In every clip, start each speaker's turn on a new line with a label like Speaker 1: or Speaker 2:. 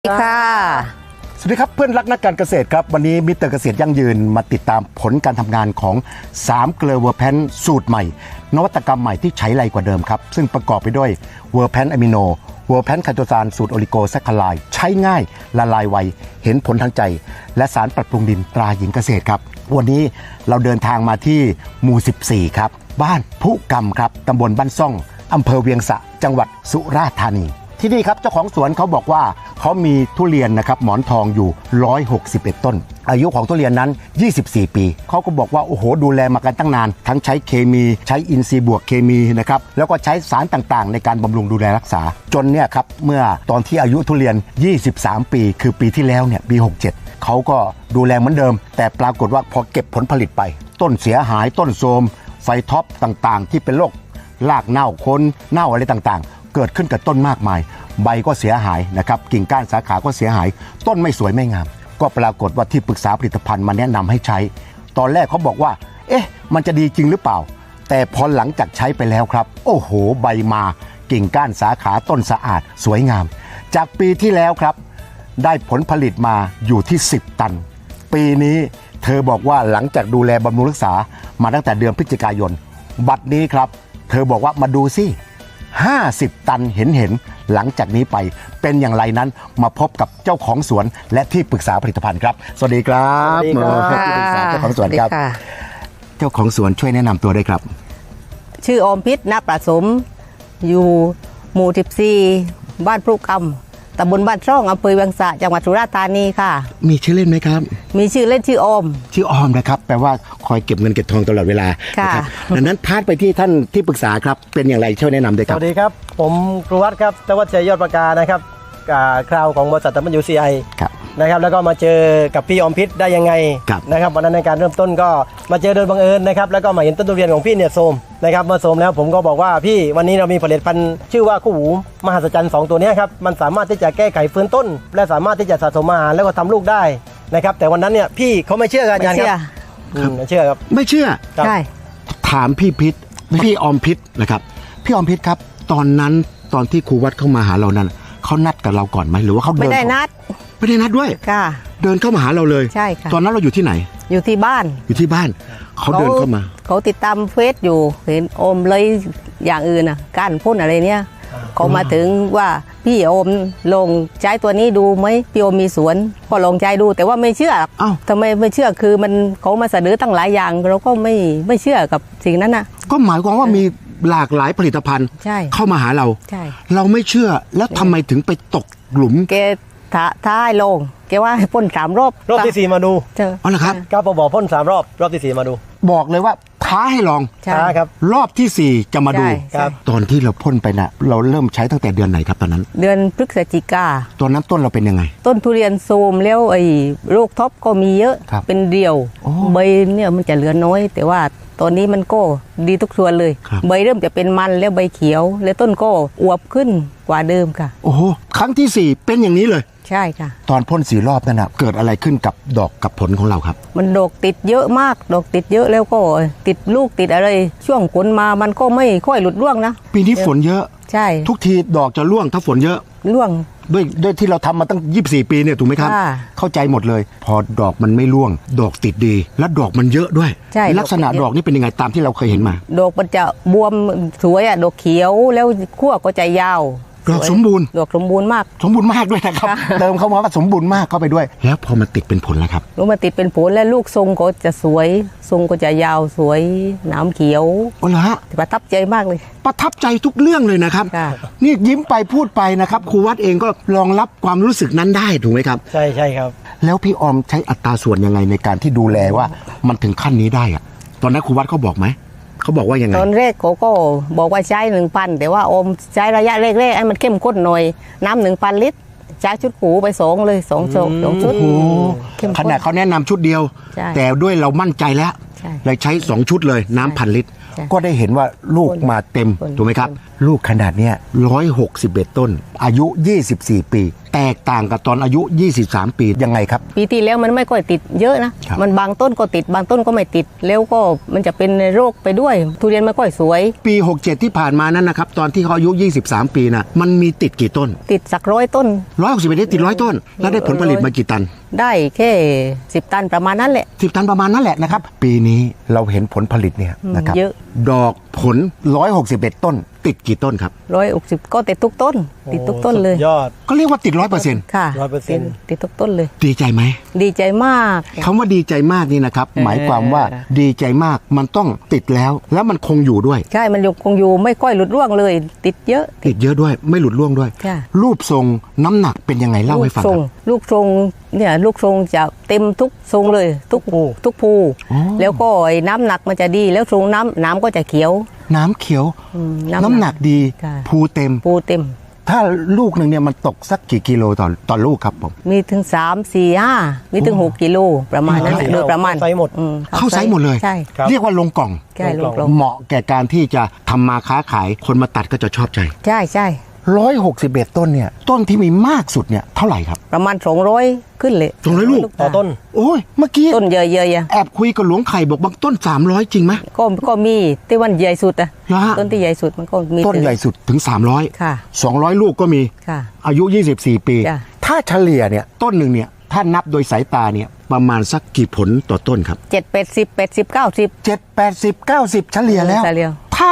Speaker 1: ค่ะ
Speaker 2: สวัสดีครับเพื่อนรักนักการเกษตรครับวันนี้มิสเตอร์เกษตรยั่งยืนมาติดตามผลการทำงานของ3เกลือเวอร์แพนสูตรใหม่นวัตกรรมใหม่ที่ใช้ไรกว่าเดิมครับซึ่งประกอบไปด้วยเวอร์แพนอะมิโนเวอร์แพนไคโตซานสูตรโอลิโกแซคคาไลด์ใช้ง่ายละลายไวเห็นผลทางใจและสารปรับปรุงดินตราหญิงเกษตรครับวันนี้เราเดินทางมาที่หมู่14ครับบ้านพุกรรมครับตำบลบ้านซ่องอำเภอเวียงสะจังหวัดสุราษฎร์ธานีที่นี่ครับเจ้าของสวนเขาบอกว่าเขามีทุเรียนนะครับหมอนทองอยู่161ต้นอายุของทุเรียนนั้น24ปีเขาก็บอกว่าโอ้โหดูแลมากันตั้งนานทั้งใช้เคมีใช้อินทรีย์บวกเคมีนะครับแล้วก็ใช้สารต่างๆในการบำรุงดูแลรักษาจนเนี่ยครับเมื่อตอนที่อายุทุเรียน23ปีคือปีที่แล้วเนี่ยปี67เขาก็ดูแลเหมือนเดิมแต่ปรากฏว่าพอเก็บผลผลิตไปต้นเสียหายต้นโทรมไฟท็อปต่างๆที่เป็นโรครากเน่าโคนเน่าอะไรต่างๆเกิดขึ้นกับต้นมากมายใบก็เสียหายนะครับกิ่งก้านสาขาก็เสียหายต้นไม่สวยไม่งามก็ปรากฏว่าที่ปรึกษาผลิตภัณฑ์มาแนะนำให้ใช้ตอนแรกเขาบอกว่าเอ๊ะมันจะดีจริงหรือเปล่าแต่พอหลังจากใช้ไปแล้วครับโอ้โหใบมากิ่งก้านสาขาต้นสะอาดสวยงามจากปีที่แล้วครับได้ผลผลิตมาอยู่ที่10ตันปีนี้เธอบอกว่าหลังจากดูแลบำรุงรักษามาตั้งแต่เดือนพฤศจิกายนบัดนี้ครับเธอบอกว่ามาดูสิ50ตันเห็นหลังจากนี้ไปเป็นอย่างไรนั้นมาพบกับเจ้าของสวนและที่ปรึกษาผลิตภัณฑ์ครับสวัสดีครับที่ปรึกษาเจ้าของสวนครับเจ้าของสวนช่วยแนะนำตัวได้ครับ
Speaker 1: ชื่ออมพิษณประสมอยู่หมู่14บ้านพรุกรรมตำบลบ้านช่องอำเภอเวียงสะจังหวัดสุราษฎร์ธานีค่ะ
Speaker 2: มีชื่อเล่นไหมครับ
Speaker 1: มีชื่อเล่นชื่ออม
Speaker 2: นะครับแปลว่าคอยเก็บเงินเก็บทองตลอดเวลานะครับดังนั้นพาดไปที่ท่านที่ปรึกษาครับเป็นอย่างไรช่วยแนะนำด้วยครับ
Speaker 3: สวัสดีครับผมครูวัดครับธวัชชัยยอดประกานะครับคราวของบริษัทWCI นะครับแล้วก็มาเจอกับพี่อมพิษได้ยังไงนะครับวันนั้นในการเริ่มต้นก็มาเจอโดยบังเอิญนะครับแล้วก็มาเห็นต้นทุเรียนของพี่เนี่ยโทรมนะครับเมื่อโทรมแล้วผมก็บอกว่าพี่วันนี้เรามีผลิตภัณฑ์ชื่อว่าคู่หูมหัศจรรย์2ตัวนี้ครับมันสามารถที่จะแก้ไขฟื้นต้นและสามารถที่จะสะสมอาหารแล้วก็ทำลูกได้นะครับแต่วันนั้นเนี่ยพี่เขาไม่เชื่อกันอาจารย์ครับไม่เชื่อครับ
Speaker 2: ไม่เชื่อ
Speaker 1: ใช่
Speaker 2: ถามพี่อมพิษนะครับพี่อมพิษครับตอนนั้นตอนที่ครูวัดเข้ามาหาเรานั้นเขานัดกับเราก่อนไหมหรือว่าเขา
Speaker 1: ไม่ได้นัด
Speaker 2: ด้วย
Speaker 1: ค่ะ
Speaker 2: เดินเข้ามาหาเราเลย
Speaker 1: ใช่ค่ะ
Speaker 2: ตอนนั้นเราอยู่ที่ไหน
Speaker 1: อยู่ที่บ้าน
Speaker 2: เขาเดินเข้ามา
Speaker 1: เขาติดตามเฟซอยู่เห็นอมเลยอย่างอื่นอ่ะก้านพ่นอะไรเนี่ยเขามาถึงว่าพี่อมลงใช้ตัวนี้ดูไหมพี่อมมีสวนพอลองใช้ดูแต่ว่าไม่เชื่อทำไมไม่เชื่อคือมันเขามาเสนอตั้งหลายอย่างเราก็ไม่เชื่อกับสิ่งนั้นนะ
Speaker 2: ก็หมายความว่ามีหลากหลายผลิตภัณฑ์เข้ามาหาเราเราไม่เชื่อแล้วทำไมถึงไปตกหลุม
Speaker 1: แกท้ายลงแกว่าพ่น3 รอบ
Speaker 3: ที่4มาดู
Speaker 2: อ๋อเหรอครับ
Speaker 3: ก้าวบอกพ่น3 รอบที่4มาดู
Speaker 2: บอกเลยว่าท้าให้ลอง
Speaker 3: ครับ
Speaker 2: รอบที่4จะมาดูตอนที่เราพ่นไปน่ะเราเริ่มใช้ตั้งแต่เดือนไหนครับตอนนั้น
Speaker 1: เดือนพฤศจิกา
Speaker 2: ตอนนั้นต้นเราเป็นยังไง
Speaker 1: ต้นทุเรียนโทรมแล้วไอ้โรคท็อปก็มีเยอะเป็นเดี่ยวใบเนี่ยมันจะเหลือน้อยแต่ว่าตอนนี้มันก็ดีทุกส่วนเลยใบเริ่มจะเป็นมันแล้วใบเขียวแล้วต้นก็อวบขึ้นกว่าเดิมค่ะ
Speaker 2: โอ้โหครั้งที่4เป็นอย่างนี้เลย
Speaker 1: ใช่ค่ะ
Speaker 2: ตอนพ่น4 รอบนั่นนะเกิดอะไรขึ้นกับดอกกับผลของเราครับ
Speaker 1: มันดอกติดเยอะมากดอกติดเยอะแล้วก็ติดลูกติดอะไรช่วงฝนมามันก็ไม่ค่อยหลุดร่วงนะ
Speaker 2: ปีนี้ฝนเยอะ
Speaker 1: ใช่
Speaker 2: ทุกทีดอกจะร่วงถ้าฝนเยอะ
Speaker 1: ร่วง
Speaker 2: ด้วยที่เราทำมาตั้ง24 ปีเนี่ยถูกไหมครับเข้าใจหมดเลยพอดอกมันไม่ร่วงดอกติดดีและดอกมันเยอะด้วยลักษณะดอกนี่เป็นยังไงตามที่เราเคยเห็นมา
Speaker 1: ดอกมันจะบวมสวยอ่ะดอกเขียวแล้วขั้วก็จะยาว
Speaker 2: ดอกสมบูรณ์
Speaker 1: ดอกสมบูรณ์มาก
Speaker 2: ด้วยนะครับเติมเข้ามาว่าสมบูรณ์มากเข้าไปด้วยแล้วพอมันติดเป็นผลแล้วครับ
Speaker 1: มันติดเป็นผลแล้วลูกทรงก็จะสวยทรงก็จะยาวสวยหนามเขียว
Speaker 2: โอ้เหรอฮะ
Speaker 1: ประทับใจมากเลย
Speaker 2: ประทับใจทุกเรื่องเลยนะครับนี่ยิ้มไปพูดไปนะครับครูวัดเองก็รองรับความรู้สึกนั้นได้ถูกไหมครับ
Speaker 3: ใช่ครับ
Speaker 2: แล้วพี่อมใช้อัตราส่วนยังไงในการที่ดูแลว่ามันถึงขั้นนี้ได้อะตอนนั้นครูวัดเขาบอกไหมเขาบอกว่ายังไง
Speaker 1: ตอนแรกเขาก็บอกว่าใช้ 1,000แต่ว่าอมใช้ระยะแรกๆให้มันเข้มข้นหน่อยน้ำ 1,000 ลิตรใช้ชุดหูไป2ชุด
Speaker 2: ขนาดเขาแนะนำชุดเดียวแต่ด้วยเรามั่นใจแล้ว
Speaker 1: ใช่
Speaker 2: เลยใช้ 2 ชุดเลยน้ำพันลิตร
Speaker 1: ใช่
Speaker 2: ก็ได้เห็นว่าลูกมาเต็ม
Speaker 1: คน
Speaker 2: ถูกไหมครับ ลูกขนาดเนี้ย161 ต้น อายุ 24 ปี แตกต่างกับตอนอายุ 23 ปียังไงครับ
Speaker 1: ปีที่แล้วมันไม่ค่อยติดเยอะนะ
Speaker 2: ครับ
Speaker 1: มันบางต้นก็ติดบางต้นก็ไม่ติดแล้วก็มันจะเป็นโรคไปด้วย ทุเรียนไม่ค่อยสวย
Speaker 2: ปี 67 ที่ผ่านมานั้นนะครับตอนที่เขาอายุ 23 ปีนะมันมีติดกี่ต้น
Speaker 1: ติดสัก100 ต้น
Speaker 2: 161ได้ติด100 ต้น แล้วได้ผลผลิตมากี่ตัน
Speaker 1: ได้แค่10 ตันประมาณนั้นแหละ
Speaker 2: 10 ตันประมาณนั่นแหละนะครับ ปีนี้เราเห็นผลผลิตเนี่ยนะครับ
Speaker 1: เยอะ
Speaker 2: ดอกผล 161 ต้น ติดกี่ต้นครับ
Speaker 1: 160ก็ติดทุกต้น ติดทุกต้นเลย
Speaker 3: สุดยอด
Speaker 2: ก็เรียกว่าติด 100%
Speaker 1: ค่ะ
Speaker 3: 100%
Speaker 1: ติดทุกต้นเลย
Speaker 2: ดีใจไหม
Speaker 1: ดีใจมาก
Speaker 2: คำว่าดีใจมากนี่นะครับ หมายความว่าดีใจมากมันต้องติดแล้วมันคงอยู่ด้วย
Speaker 1: ใช่มันคงอยู่ไม่ค่อยหลุดร่วงเลย ติดเยอะ
Speaker 2: ติดเยอะด้วยไม่หลุดร่วงด้วย
Speaker 1: ค่ะ
Speaker 2: รูปทรงน้ำหนักเป็นยังไงเล่าให้ฟัง
Speaker 1: ท
Speaker 2: ค
Speaker 1: ร
Speaker 2: รับ
Speaker 1: ลูกทรงเนี่ยลูกทรงจะเต็มทุกทรงเลยทุกภู
Speaker 2: อ๋อ
Speaker 1: แล้วก็ไอ้น้ำหนักมันจะดีแล้วทรงน้ำก็จะเขียว
Speaker 2: น้ำเขียว
Speaker 1: น้
Speaker 2: น้ำหนักดี
Speaker 1: ค่ะ
Speaker 2: ภูเต็ม
Speaker 1: ภูเต็ม
Speaker 2: ถ้าลูกหนึ่งเนี่ยมันตกสักกี่กิโลต่อลูกครับผม
Speaker 1: มีถึง3 4 5มีถึง6 กิโลประมาณนั้น
Speaker 3: โอ้
Speaker 1: โดยประมาณ
Speaker 3: เข้าไซส์หมด
Speaker 2: เข้าไซส์หมดเลย
Speaker 1: ใช่
Speaker 3: ครับ
Speaker 2: เรียกว่าลงกล่อง
Speaker 1: ใช่ลูกลง
Speaker 2: เหมาะแก่การที่จะทำมาค้าขายคนมาตัดก็จะชอบใจ
Speaker 1: ใช่ใช่
Speaker 2: 161 ต้นเนี่ยต้นที่มีมากสุดเนี่ยเท่าไหร่ครับ
Speaker 1: ประมาณ200ขึ้นเลย
Speaker 2: 200 ลูก
Speaker 3: ต่อต้น
Speaker 2: โอ้ยเมื่อกี้
Speaker 1: ต้นเยอะๆอะ
Speaker 2: แอบคุยกับหลวงไข่บอกบางต้น 300 จริงไหม
Speaker 1: ก็มีที่วันใหญ่สุดอะ
Speaker 2: เหรอฮะ
Speaker 1: ต้นที่ใหญ่สุดมันก็มี
Speaker 2: ต้นใหญ่สุดถึง 300
Speaker 1: ค่ะ
Speaker 2: 200 ลูกก็มี
Speaker 1: ค่ะ
Speaker 2: อายุ 24 ปี
Speaker 1: จ้ะ
Speaker 2: ถ้าเฉลี่ยเนี่ยต้นหนึ่งเนี่ยถ้านับโดยสายตาเนี่ยประมาณสักกี่ผลต่อต้นครับ
Speaker 1: 7 80 80 90
Speaker 2: 7 80 90 เฉลี่ยแล้ว
Speaker 1: เฉลี่ย
Speaker 2: ถ้า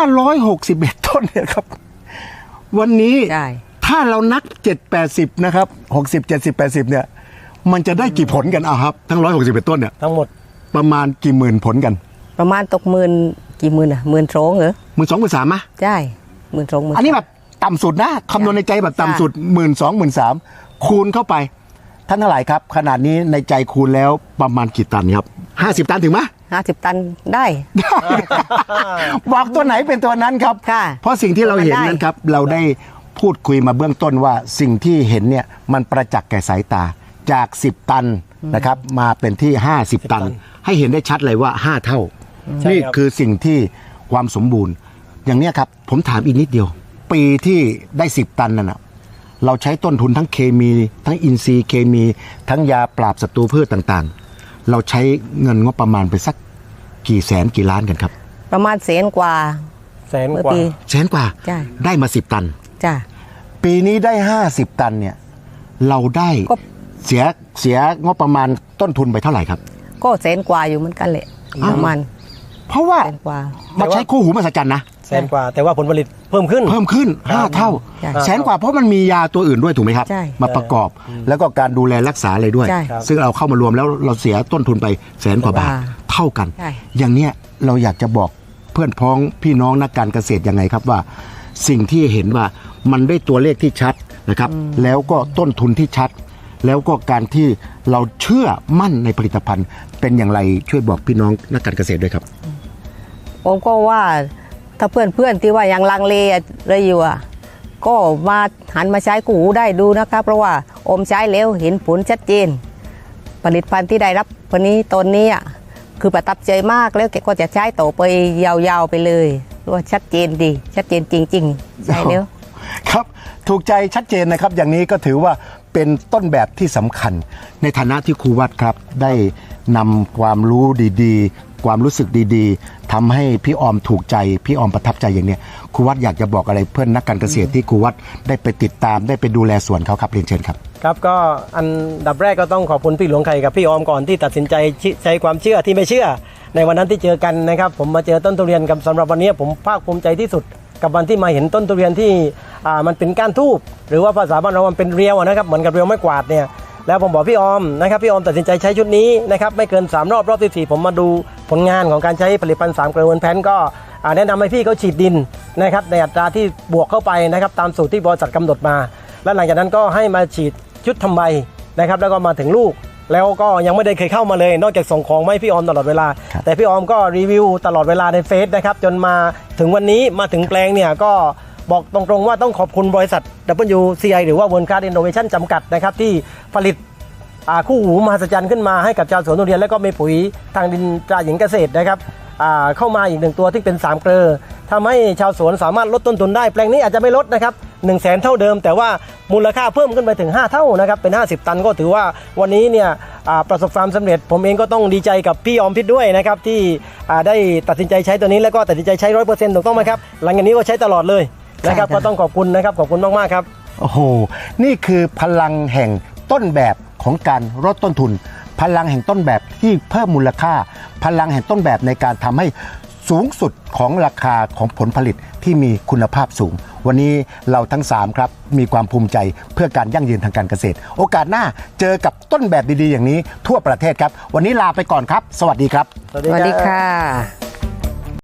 Speaker 2: 161 ต้นเนี่ยครับ วันนี้
Speaker 1: ใช่
Speaker 2: ถ้าเรานัก 7 80 นะครับ 60 70 80 เนี่ย มันจะได้กี่ผลกันอ่ะครับ ทั้ง 161 ต้นเนี่ย
Speaker 3: ทั้งหมด
Speaker 2: ประมาณกี่หมื่นผลกัน
Speaker 1: ประมาณตกหมื่นกี่หมื่นอะ12,000เหรอ
Speaker 2: 12,000 13,000มะ
Speaker 1: ใช่12,000
Speaker 2: อันนี้แบบต่ำสุดนะคำนวณในใจแบบต่ำสุด 12,000 13,000 คูณเข้าไป ท่านทั้งหลายครับ ขนาดนี้ในใจคูณแล้วประมาณกี่ตันครับ 50 ตันถึงไหม
Speaker 1: 50 ตันได้
Speaker 2: บอกตัวไหนเป็นตัวนั้นครับ
Speaker 1: ค่ะ
Speaker 2: เพราะสิ่งที่เราเห็น
Speaker 1: ได้
Speaker 2: นั้นครับ เราได้พูดคุยมาเบื้องต้นว่าสิ่งที่เห็นเนี่ยมันประจักษ์แก่สายตาจาก 10 ตันนะครับมาเป็นที่ 50 ตัน ให้เห็นได้ชัดเลยว่า 5 เท่า
Speaker 3: ใช่
Speaker 2: นี่
Speaker 3: ครับ
Speaker 2: คือสิ่งที่ความสมบูรณ์ อย่างเนี้ยครับ ผมถามอีกนิดเดียว ปีที่ได้ 10 ตันนั่นนะเราใช้ต้นทุนทั้งเคมี ทั้งอินทรีย์เคมี ทั้งยาปราบศัตรูพืชต่างๆ เราใช้เงินงบประมาณไปสักกี่แสนกี่ล้านกันครับ
Speaker 1: ประมาณ100,000 กว่า
Speaker 3: แสน
Speaker 1: เมื่อก
Speaker 3: ว่า
Speaker 1: ปี
Speaker 2: แสนกว่า
Speaker 1: ใช่
Speaker 2: ได้มา 10 ตัน
Speaker 1: จ้ะ
Speaker 2: ปีนี้ได้ 50 ตันเนี่ยเราได้
Speaker 1: ก็
Speaker 2: เสียงบประมาณต้นทุนไปเท่าไหร่ครับ
Speaker 1: ก็100,000 กว่าอยู่เหมือนกันแหละ
Speaker 2: อ้าว
Speaker 1: ประมาณ
Speaker 2: เพราะว่า
Speaker 1: 100,000 กว่า
Speaker 2: มาใช้คู่หูมหัศจรรย์นะ
Speaker 3: แสนกว่า แต่ว่าผลผลิตเพิ่มขึ้น
Speaker 2: เพิ่มขึ้น 5 เท่า
Speaker 1: ใช่
Speaker 2: แสนกว่าเพราะมันมียาตัวอื่นด้วยถูกไหมครับ
Speaker 1: ใช่
Speaker 2: มาประกอบ แล้วก็การดูแลรักษาอะไรด้วย
Speaker 1: ใช่
Speaker 2: ซึ่งเราเข้ามารวมแล้วเราเสียต้นทุนไปแสนกว่าบาท
Speaker 1: ว่า
Speaker 2: เท่ากัน
Speaker 1: ใช่
Speaker 2: อย่างเนี้ยเราอยากจะบอกเพื่อนพ้องพี่น้องนักการเกษตรยังไงครับว่า สิ่งที่เห็นว่ามันได้ตัวเลขที่ชัดนะครับ แล้วก็ต้นทุนที่ชัด แล้วก็การที่เราเชื่อมั่นในผลิตภัณฑ์ เป็นอย่างไรช่วยบอกพี่น้องนักการเกษตรด้วยครับ
Speaker 1: ผมก็ว่าถ้าเพื่อนๆที่ว่ายังลังเลอะไรอยู่อะก็มาหันมาใช้กูหูได้ดูนะครับ เพราะว่าอมใช้แล้วเห็นผลชัดเจน ผลิตภัณฑ์ที่ได้รับวันนี้ตนนี้อะคือประทับใจมากแล้วแกก็จะใช้ต่อไปยาวๆไปเลยเพราะว่าชัดเจนดีชัดเจนจริงๆใช่แล้ว
Speaker 2: ครับถูกใจชัดเจนนะครับ อย่างนี้ก็ถือว่าเป็นต้นแบบที่สำคัญ ในฐานะที่ครูวัดครับ ได้นำความรู้ดีๆ ความรู้สึกดีๆทำให้พี่ออมถูกใจพี่ออมประทับใจอย่างเนี้ยครูวัดอยากจะบอกอะไรเพื่อนนักการเกษตรที่ครูวัดได้ไปติดตามได้ไปดูแลสวนเขาครับเรียนเชิญครับ
Speaker 3: ครับก็อันดับแรกก็ต้องขอบคุณพี่หลวงไข่กับพี่ออมก่อนที่ตัดสินใจใช้ความเชื่อที่ไม่เชื่อ ในวันนั้นที่เจอกันนะครับผมมาเจอต้นทุเรียนกับสำหรับวันนี้ผมภาคภูมิใจที่สุด กับวันที่มาเห็นต้นทุเรียนที่มันเป็นก้านทูบหรือว่าภาษาบ้านเรามันเป็นเรียวนะครับเหมือนกับเรียวไม้กวาดเนี่ยแล้วผมบอกพี่ออมนะครับพี่ออมตัดสินใจใช้ชุดนี้นะครับไม่เกิน3รอบที่4ผมมาดูผลงานของการใช้ผลิตภัณฑ์3 เกลือเวิร์นแพนก็แนะนำให้พี่เขาฉีดดินนะครับในอัตราที่บวกเข้าไปนะครับตามสูตรที่บริษัทกำหนดมา แล้วหลังจากนั้นก็ให้มาฉีดชุดทำใบนะครับแล้วก็มาถึงลูก แล้วก็ยังไม่ได้เคยเข้ามาเลยนอกจากส่งของมาให้พี่ออมตลอดเวลา
Speaker 2: ครับ
Speaker 3: แต่พี่ออมก็รีวิวตลอดเวลาในเฟซนะครับจนมาถึงวันนี้มาถึงแปลงเนี่ยก็บอกตรงๆว่าต้องขอบคุณบริษัท WCI หรือว่า World Class Innovation จำกัดนะครับที่ผลิตคู่หูมหัศจรรย์ขึ้นมาให้กับชาวสวนทุเรียนแล้วก็มีปุ๋ยทางดินตราหญิงเกษตรนะครับเข้ามาอีก1ตัวที่เป็น3เกลอทำให้ชาวสวนสามารถลดต้นทุนได้แปลงนี้อาจจะไม่ลดนะครับ100,000 เท่าเดิมแต่ว่ามูลค่าเพิ่มขึ้นไปถึง5 เท่านะครับเป็น50 ตันก็ถือว่าวันนี้เนี่ยประสบความสำเร็จผมเองก็ต้องดีใจกับพี่อมพิษด้วยนะครับที่ได้ตัดสินใจใช้ตัวนี้แล้วก็ตัดสินใจใช้ 100% ถูกต้องไหมครับหลังจากนี้ก็ใช้ตลอดเลยนะครับก็ต้องขอบคุณนะครับขอบคุณมากๆครับ
Speaker 2: โอ้โห นี่คือพลังแห่งต้นแบบของการลดต้นทุน พลังแห่งต้นแบบที่เพิ่มมูลค่า พลังแห่งต้นแบบในการทำให้สูงสุดของราคาของผลผลิตที่มีคุณภาพสูง วันนี้เราทั้ง3ครับมีความภูมิใจเพื่อการยั่งยืนทางการเกษตร โอกาสหน้าเจอกับต้นแบบดีๆอย่างนี้ทั่วประเทศครับ วันนี้ลาไปก่อนครับ สวัสดีครับ
Speaker 1: สวัสดีค่ะ